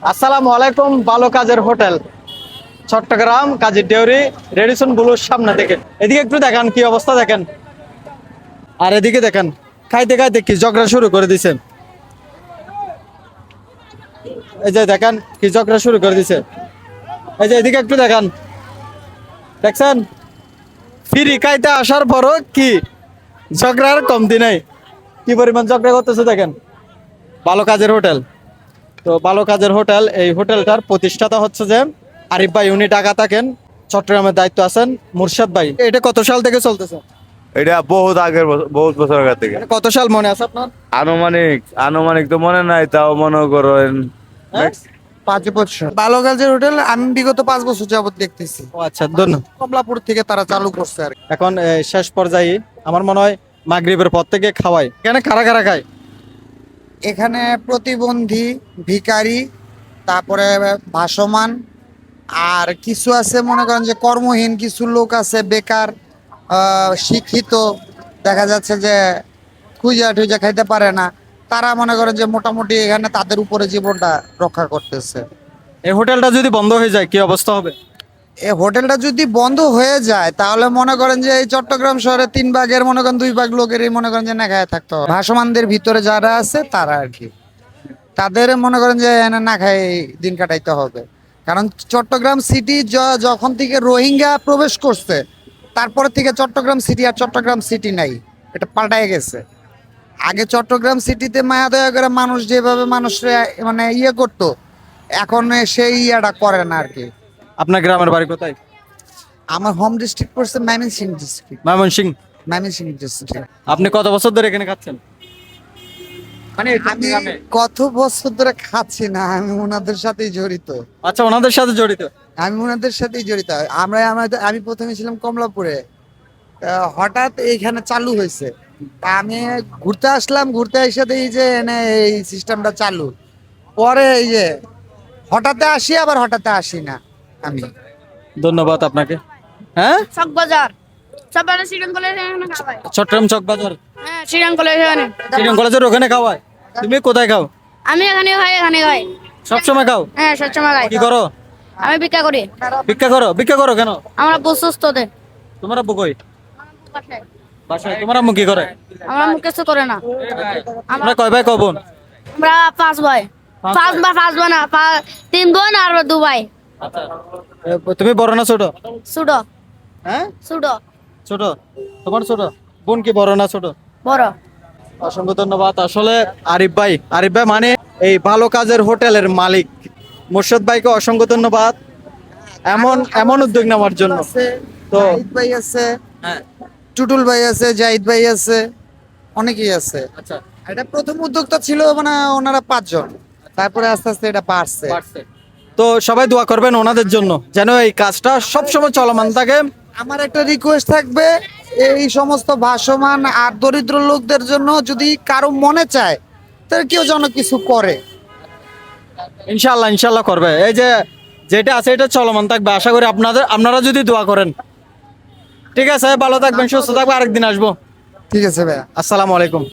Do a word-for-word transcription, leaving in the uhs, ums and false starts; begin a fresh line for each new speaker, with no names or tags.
আসসালামু আলাইকুম। ভালো কাজের হোটেল চট্টগ্রাম কাজী ডেউরি রেডিসন ব্লুর সামনে থেকে এদিকে একটু দেখেন কি অবস্থা দেখেন, আর এদিকে দেখেন খাইতে খাইতে কি ঝগড়া শুরু করে দিছে। এই যে দেখেন কি ঝগড়া শুরু করে দিছে। এই যে এদিকে একটু দেখেন, দেখছেন ফিরি খাইতে আসার পরও কি ঝগড়ার কমতি নাই, কি পরিমাণ ঝগড়া করতেছে দেখেন। ভালো কাজের হোটেল, তো ভালো কাজের হোটেল, এই হোটেলটার প্রতিষ্ঠাতা হচ্ছে যে আরিফ ভাই, উনি ঢাকা থাকেন, চট্টগ্রামের দায়িত্ব আছেন মুর্শাদ ভাই। এটা কত সাল থেকে চলতেছে?
এটা বহুত আগের বছর- বহুত বছর আগে থেকে।
এটা কত সাল মনে আছে আপনার?
আনুমানিক আনুমানিক তো মনে নাই, তাও মনে করেন
হ্যাঁ?
পাঁচ বছর। ভালো কাজের হোটেল আমি বিগত পাঁচ বছর যাবত দেখতেছি।
ও আচ্ছা, ধন্যবাদ।
কমলাপুর থেকে তারা চালু করছে আর কি।
এখন এ, শেষ পর্যায়ে আমার মনে হয় মাগরিবের পর থেকে খাওয়াই। এখানে কারা কারা খায়?
এখানে প্রতিবন্ধী, ভিখারি, তারপরে ভাসমান, আর কিছু আছে মনে করেন যে কর্মহীন কিছু লোক আছে, বেকার, আহ, শিক্ষিত, দেখা যাচ্ছে যে খুঁজা টুজা খাইতে পারে না, তারা মনে করেন যে মোটামুটি এখানে তাদের উপরে জীবনটা রক্ষা করতেছে।
এই হোটেলটা যদি বন্ধ হয়ে যায় কি অবস্থা হবে?
এই হোটেলটা যদি বন্ধ হয়ে যায় তাহলে মনে করেন যে এই চট্টগ্রাম শহরে তিন ভাগের মনে করেন দুই ভাগ লোকেরই মনে করেন যে না খায় থাকতে হবে। ভাসমানদের ভিতরে যারা আছে তারা আর কি, তাদের মনে করেন যে এনে না খায় দিন কাটাইতে হবে। কারণ চট্টগ্রাম সিটি যখন থেকে রোহিঙ্গা প্রবেশ করছে তারপরে থেকে চট্টগ্রাম সিটি আর চট্টগ্রাম সিটি নাই, এটা পাল্টায় গেছে। আগে চট্টগ্রাম সিটিতে মায়া দয়া করে মানুষ যেভাবে মানুষরা মানে ইয়ে করতো, এখন সেই ইয়েটা করে না আর কি।
আপনার গ্রামের বাড়ি কোথায়?
আমার হোম ডিস্ট্রিক্ট পড়ছে ময়মনসিংহ ডিস্ট্রিক্ট।
ময়মনসিংহ।
ময়মনসিংহ ডিস্ট্রিক্ট।
আপনি কত বছর ধরে এখানে খাচ্ছেন? মানে এই
আমি
গ্রামে?
কত বছর ধরে খাচ্ছি না, আমি ওনাদের সাথেই জড়িত।
আচ্ছা, ওনাদের সাথে জড়িত।
আমি ওনাদের সাথেই জড়িত। আমরা আমাদের আমি প্রথমে ছিলাম কমলাপুরে, আহ, হঠাৎ এইখানে চালু হয়েছে। তা আমি ঘুরতে আসলাম, ঘুরতে এসে দেখি যে এনে এই সিস্টেমটা চালু। পরে এই যে হঠাৎ আসি আবার হঠাৎ আসি না আমি।
ধন্যবাদ আপনাকে। হ্যাঁ,
চক বাজার সব মানে শ্রীরাম কলেজে এখানে খাওয়ায়।
চট্টগ্রাম চক বাজার,
হ্যাঁ শ্রীরাম কলেজে এখানে
শ্রীরাম কলেজের ওখানে খাওয়ায়। তুমি কোথায় খাও?
আমি এখানে খাই, এখানে খাই।
সবসময় খাও?
হ্যাঁ সবসময় খাই।
কি করো?
আমি ভিক্ষা করি।
ভিক্ষা করো? ভিক্ষা করো কেন?
আমরা প্রশস্ত দে
তোমার আব্বু কই? বাসায়। তোমার আম্মু কি করে?
আমরা মুখ কিছু করে না।
তোমরা কয় ভাই কয় বোন?
আমরা পাঁচ ভাই।
পাঁচ
পাঁচ বা পাঁচ বোন না, পা- তিন বোন আর দু ভাই।
এ, তুমি বড় না ছোট?
ছোট
হ্যাঁ,
ছোট
ছোট। তোমার ছোট বোন কি বড় না ছোট?
বড়।
অসংখ্য ধন্যবাদ। আসলে আরিফ ভাই, আরিফ ভাই মানে এই ভালো কাজের হোটেলের মালিক মুর্শদ ভাইকে অসংখ্য ধন্যবাদ এমন এমন উদ্যোগ নেওয়ার জন্য।
আছে,
তো
জাহিদ ভাই আছে,
হ্যাঁ,
টুটুল ভাই আছে, জাহিদ ভাই আছে, অনেকেই আছে।
আচ্ছা,
এটা প্রথম উদ্যোক্তা ছিল মানে ওনারা পাঁচজন, তারপরে আস্তে আস্তে এটা বাড়ছে।
পারছে। তো সবাই দোয়া করবেন ওনাদের জন্য যেন এই কাজটা সবসময় চলমান থাকে।
আমার একটা রিকোয়েস্ট থাকবে, এই সমস্ত ভাসমান আর দরিদ্র লোকদের জন্য যদি কারো মনে চায় তাহলে কেউ যেন কিছু করে।
ইনশাল্লাহ ইনশাল্লাহ করবে। এই যে যেটা আছে এটা চলমান থাকবে, আশা করি আপনাদের আপনারা যদি দোয়া করেন। ঠিক আছে, ভালো থাকবেন, সুস্থ থাকবেন, আরেকদিন আসবো।
ঠিক আছে ভাইয়া।
আসসালামু আলাইকুম।